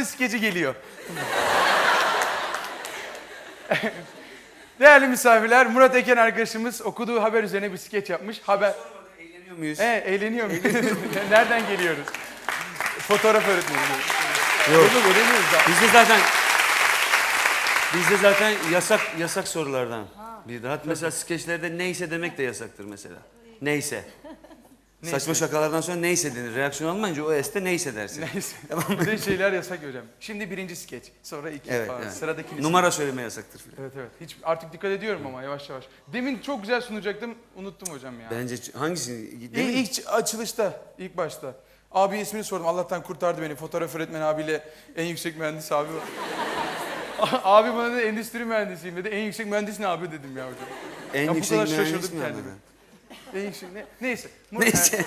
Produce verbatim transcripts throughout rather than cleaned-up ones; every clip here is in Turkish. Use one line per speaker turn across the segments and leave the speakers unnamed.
Murat'ın skeci geliyor. Değerli misafirler, Murat Eken arkadaşımız okuduğu haber üzerine bir skeç yapmış. Haber...
Eğleniyor muyuz?
He, eğleniyor muyuz? Nereden geliyoruz? Fotoğraf öğretmeni.
Yok.
Yok, öğreniyoruz da.
Bizde zaten bizde zaten yasak yasak sorulardan. Bir daha mesela skeçlerde neyse demek de yasaktır mesela. Neyse.
Neyse.
Saçma şakalardan sonra neyse denir. Reaksiyon almayınca o este neyse dersin.
Neyse. Böyle şeyler yasak hocam. Şimdi birinci skeç, sonra iki
Evet,
falan.
evet.
Sıradaki
Numara söyleme yasaktır.
Evet evet. Hiç artık dikkat ediyorum ama yavaş yavaş. Demin çok güzel sunacaktım, unuttum hocam ya.
Bence hangisini?
İlk,
Demin-
ilk açılışta, ilk başta. Abi ismini sordum. Allah'tan kurtardı beni. Fotoğraf öğretmeni abiyle en yüksek mühendis abi. Abi bana dedi endüstri mühendisiyim dedi. En yüksek mühendis ne abi dedim ya hocam.
En
Ya bu
yüksek
kadar
mühendis
şaşırdım
mi
kendime.
anladın?
En yüksek ne? Neyse. Mur-
Neyse.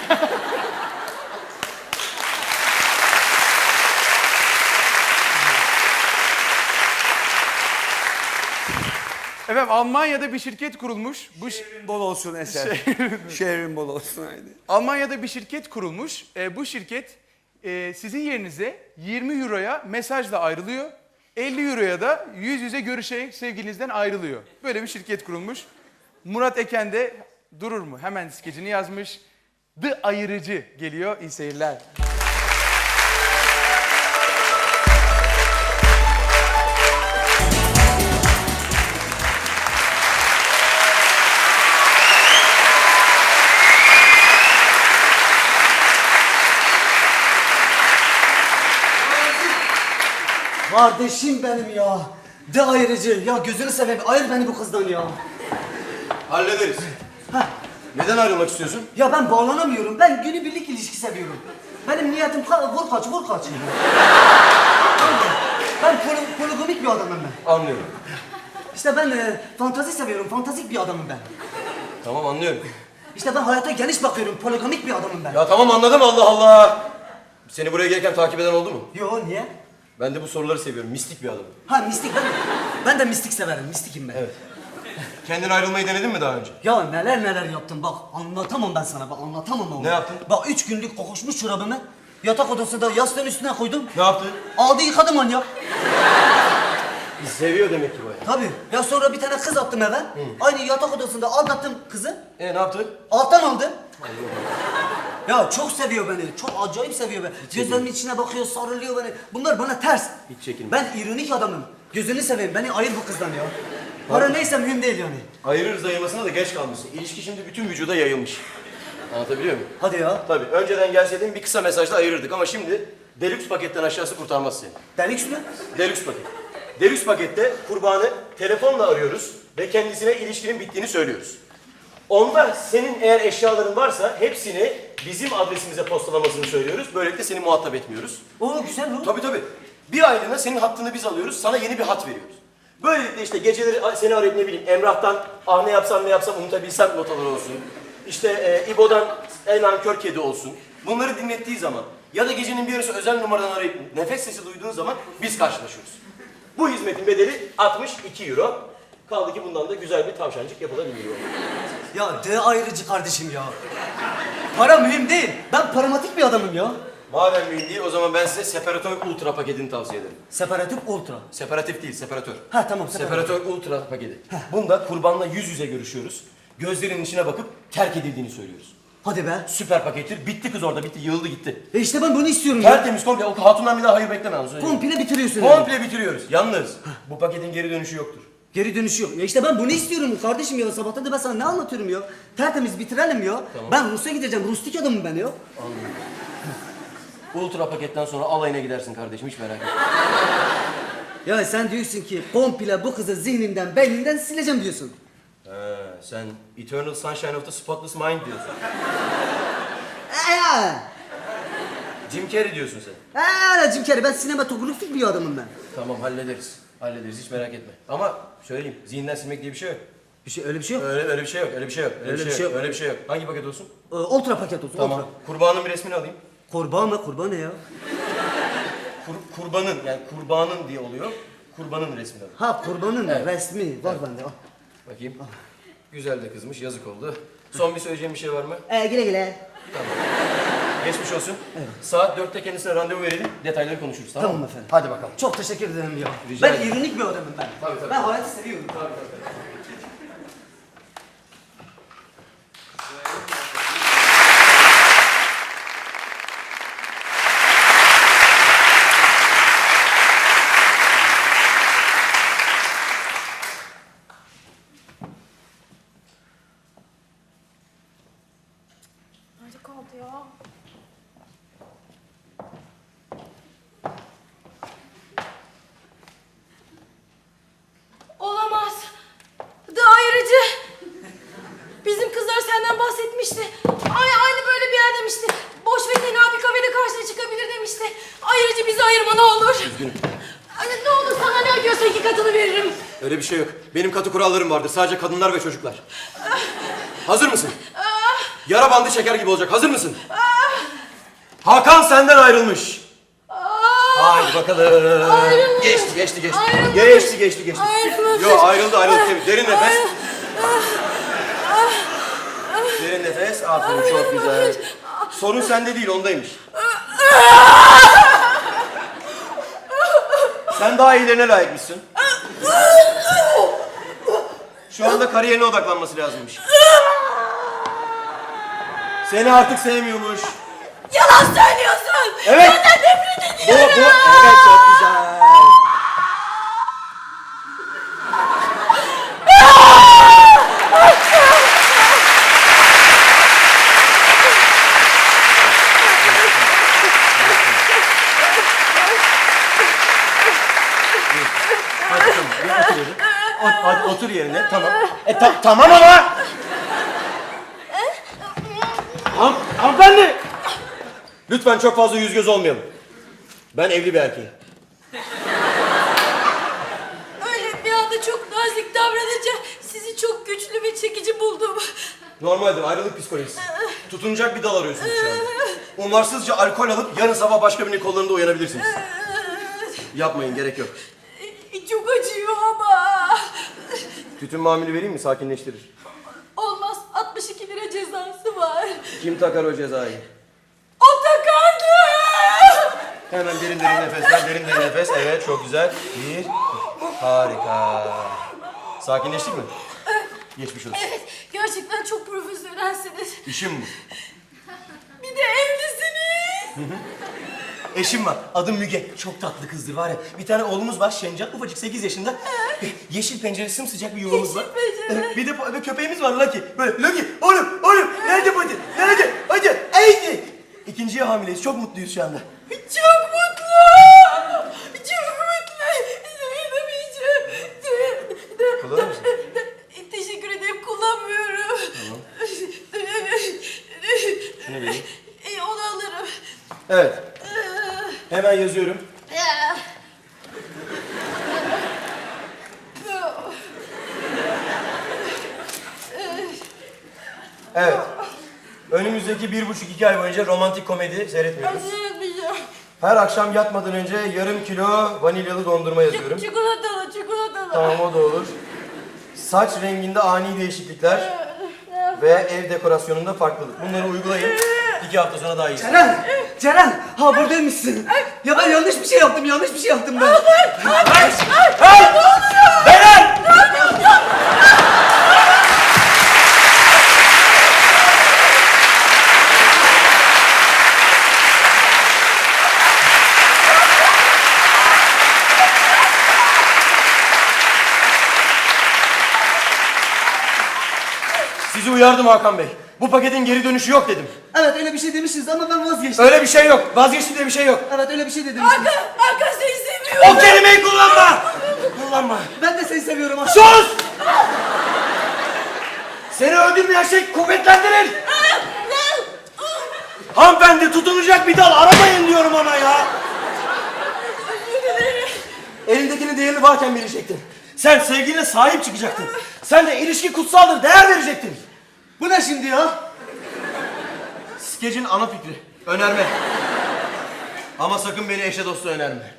Efendim Almanya'da bir şirket kurulmuş. Bu şi-
Şehrin bol olsun Eser. Şehrin bol olsun haydi.
Almanya'da bir şirket kurulmuş. E, bu şirket e, sizin yerinize yirmi euroya mesajla ayrılıyor. elli euroya da yüz yüze görüşerek sevgilinizden ayrılıyor. Böyle bir şirket kurulmuş. Murat Eken de durur mu? Hemen skecini yazmış. The Ayırıcı geliyor. İyi seyirler.
Kardeşim benim ya. De ayırıcı. Ya gözünü seveyim. Ayır beni bu kızdan ya.
Hallederiz.
Heh.
Neden ayrılmak istiyorsun?
Ya ben bağlanamıyorum. Ben günübirlik ilişki seviyorum. Benim niyetim ka- vur kaç, vur kaç. Ben poli- poligamik bir adamım ben.
Anlıyorum.
İşte ben e, fantazi seviyorum. Fantastik bir adamım ben.
Tamam anlıyorum.
İşte ben hayata geniş bakıyorum. Poligamik bir adamım ben.
Ya tamam anladım Allah Allah. Seni buraya gelirken takip eden oldu mu?
Yo niye?
Ben de bu soruları seviyorum. Mistik bir adamım.
Ha mistik ben. Ben de mistik severim. Mistikim ben.
Evet. Kendin ayrılmayı denedin mi daha önce?
Ya neler neler yaptım bak anlatamam ben sana bak anlatamam onu.
Ne yaptın?
Bak üç günlük kokuşmuş çorabımı yatak odasında yastığın üstüne koydum.
Ne yaptın?
Aldı yıkadı manyak.
Seviyor demek ki bayağı.
Tabii. Ya sonra bir tane kız attım eve. Aynı yatak odasında aldattım kızı.
E ne yaptın?
Alttan aldı. Ya çok seviyor beni. Çok acayip seviyor beni. Gözlerimin içine bakıyor, sarılıyor beni. Bunlar bana ters.
Hiç çekinme.
Ben ironik adamım. Gözünü seveyim. Beni ayır bu kızdan ya. Para neyse mühim değil yani.
Ayırırız ayırmasına da geç kalmışsın. İlişki şimdi bütün vücuda yayılmış. Anlatabiliyor muyum?
Hadi ya.
Tabii. Önceden gelseydin bir kısa mesajla ayırırdık ama şimdi Deluxe paketten aşağısı kurtarmaz seni.
Delik şunu.
Deluxe paket. Deluxe pakette kurbanı telefonla arıyoruz ve kendisine ilişkinin bittiğini söylüyoruz. Onda senin eğer eşyaların varsa hepsini bizim adresimize postalamasını söylüyoruz. Böylelikle seni muhatap etmiyoruz.
Oo güzel bu.
Tabii tabii. Bir aylığına senin hattını biz alıyoruz, sana yeni bir hat veriyoruz. Böylelikle işte geceleri seni arayıp ne bileyim Emrah'tan ah ne yapsam ne yapsam unutabilsem notalar olsun. İşte e, İbo'dan en nankör kedi olsun. Bunları dinlettiği zaman ya da gecenin bir yarısı özel numaradan arayıp nefes sesi duyduğun zaman biz karşılaşıyoruz. Bu hizmetin bedeli altmış iki euro. Kaldı ki bundan da güzel bir tavşancık yapılabiliyor.
Ya de ayrıcı kardeşim ya. Para mühim değil. Ben paramatik bir adamım ya.
Madem mühim değil o zaman ben size Separatör Ultra paketini tavsiye ederim.
Separatif ultra.
Separatif değil, separatör.
Ha tamam separatif.
Separatör Ultra paketi. Bunda kurbanla yüz yüze görüşüyoruz. Gözlerinin içine bakıp terk edildiğini söylüyoruz.
Hadi be.
Süper pakettir. Bitti kız orada, bitti. Yığıldı gitti.
E işte ben bunu istiyorum ya.
Tertemiz komple. O hatundan bir daha hayır bekleme. onu söyleyeyim.
Komple bitiriyorsun yani.
Komple bitiriyoruz. Yalnız bu paketin geri dönüşü yoktur.
Geri dönüşü yok. Ya işte ben bunu istiyorum kardeşim ya. Sabahtan da ben sana ne anlatıyorum ya. Tertemiz bitirelim ya. Ben Rus'a gideceğim. Rustik adamım ben ya.
Ultra paketten sonra alayına gidersin kardeşim. Hiç merak etme.
Ya sen diyorsun ki komple bu kızı zihninden, beyninden sileceğim diyorsun.
He, sen Eternal Sunshine of the Spotless Mind diyorsun.
Eee!
Jim Carrey diyorsun sen.
Eee Jim Carrey ben sinematografik bir adamım ben.
Tamam hallederiz. Hallederiz. Hiç merak etme. Ama söyleyeyim. Zihinden silmek diye bir şey yok.
Bir şey öyle bir şey yok.
Öyle, öyle bir şey yok. Öyle bir şey yok. Öyle, bir şey yok. Öyle bir şey yok. Hangi paket olsun?
Ee, ultra paket olsun.
Tamam.
Ultra.
Kurbanın bir resmini alayım.
Kurban mı? Kurban ne ya?
Kur, kurbanın yani kurbanın diye oluyor. Kurbanın resmini alayım.
Ha kurbanın
Evet.
resmi var
Evet.
bende. Al.
Bakayım. Güzel de kızmış. Yazık oldu. Son bir söyleyeceğim bir şey var mı?
Ee, güle güle.
Tamam. Geçmiş olsun. Saat dörtte kendisine randevu verelim. Detayları konuşuruz, tamam mı?
Tamam efendim.
Hadi bakalım.
Çok teşekkür ederim ya.
Rica
ben
ederim.
ironik bir adamım ben.
Tabii, tabii.
Ben hayatı seviyorum.
Nerede kaldı ya? Olamaz. Daireci. Bizim kızlar senden bahsetmişti. Ay aynı böyle bir yer demişti. Boş ve tenha bir kafede karşına çıkabilir demişti. Ayrıca bizi ayırma ne olur.
Üzgünüm.
Ay, ne olur sana ne ödüyorsa iki katını veririm.
Öyle bir şey yok. Benim katı kurallarım vardır. Sadece kadınlar ve çocuklar. Hazır mısın? Yara bandı çeker gibi olacak. Hazır mısın? Hakan senden ayrılmış. Haydi bakalım.
Ayrılmış.
Geçti, geçti, geçti.
Ayrılmış.
Geçti, geçti, geçti.
Ayrılmış.
Yo ayrıldı, ayrıldı. Tabii. Derin nefes. Derin nefes. Aferin, çok güzel. Sorun sende değil, ondaymış. Sen daha iyilerine layıkmışsın. Şu anda kariyerine odaklanması lazımmış. Seni artık sevmiyormuş.
Yalan söylüyorsun.
Evet.
Senden nefret
Bu,
ediyorum.
bu, evet çok güzel. Hadi tamam, bir otur yerine. Ot- Hadi otur yerine, tamam. E ta- tamam ama. Han hanımefendi. Lütfen çok fazla yüz göz olmayalım. Ben evli bir erkeğim.
Öyle bir anda çok nazik davranınca sizi çok güçlü ve çekici buldum.
Normaldir, ayrılık psikolojisi. Tutunacak bir dal arıyorsunuz şu anda. Umarsızca alkol alıp yarın sabah başka birinin kollarında uyanabilirsiniz. Yapmayın, gerek yok.
Çok acıyor ama.
Tütün mamülü vereyim mi? Sakinleştirir.
Olmaz, altmış iki lira cezası var.
Kim takar o cezayı?
O takardı.
Hemen derin derin nefesler, derin derin nefes. Evet, çok güzel. Bir, harika. Sakinleştik mi? Geçmiş olsun.
Evet, gerçekten çok profesyonelsiniz.
İşim bu.
Bir de evlisiniz.
Eşim var. Adım Müge. Çok tatlı kızdır var ya. Bir tane oğlumuz var Şencan. Ufacık sekiz yaşında. Yeşil pencere sımsıcak bir yuvamız var.
Yeşil pencere.
Bir de bir köpeğimiz var Lucky. Böyle Lucky. Oğlum oğlum. Nerede bu? Nerede? Hadi. Haydi. İkinciye hamileyiz. Çok mutluyuz şu anda.
Çok mutlu. Çok mutlu. Dayanameyeceğim.
Kullanır mısın?
Teşekkür ederim, kullanmıyorum.
Tamam. Şunu vereyim.
E, onu alırım.
Evet. Hemen yazıyorum. Evet. Önümüzdeki bir buçuk iki ay boyunca romantik komedi seyretmiyoruz.
Seyretmeyeceğim.
Her akşam yatmadan önce yarım kilo vanilyalı dondurma yazıyorum.
Çikolatalı, çikolatalı.
Tamam, o da olur. Saç renginde ani değişiklikler ve ev dekorasyonunda farklılık. Bunları uygulayın. İki hafta sonra daha iyi.
Ceren! Ceren! Ha buradaymışsın. Ya ben yanlış bir şey yaptım, yanlış bir şey yaptım ben.
Beren! Sizi uyardım Hakan Bey. Bu paketin geri dönüşü yok dedim.
Evet öyle bir şey demişsiniz ama ben vazgeçtim.
Öyle bir şey yok. Vazgeçtim diye bir şey yok.
Evet öyle bir şey de demişsiniz.
Hakan, Hakan seni seviyorum.
O kelimeyi kullanma! Kullanma.
Ben de seni seviyorum.
Sus! Seni öldürmeyen şey kuvvetlendirir. Hanımefendi, tutunacak bir dal aramayın diyorum ama ya. Elindekinin değerini varken verecektin. Sen sevgiline sahip çıkacaktın. Sen de ilişki kutsaldır, değer verecektin.
Bu ne şimdi ya?
Skecin ana fikri. Önerme. Ama sakın beni eşe dosta önerme.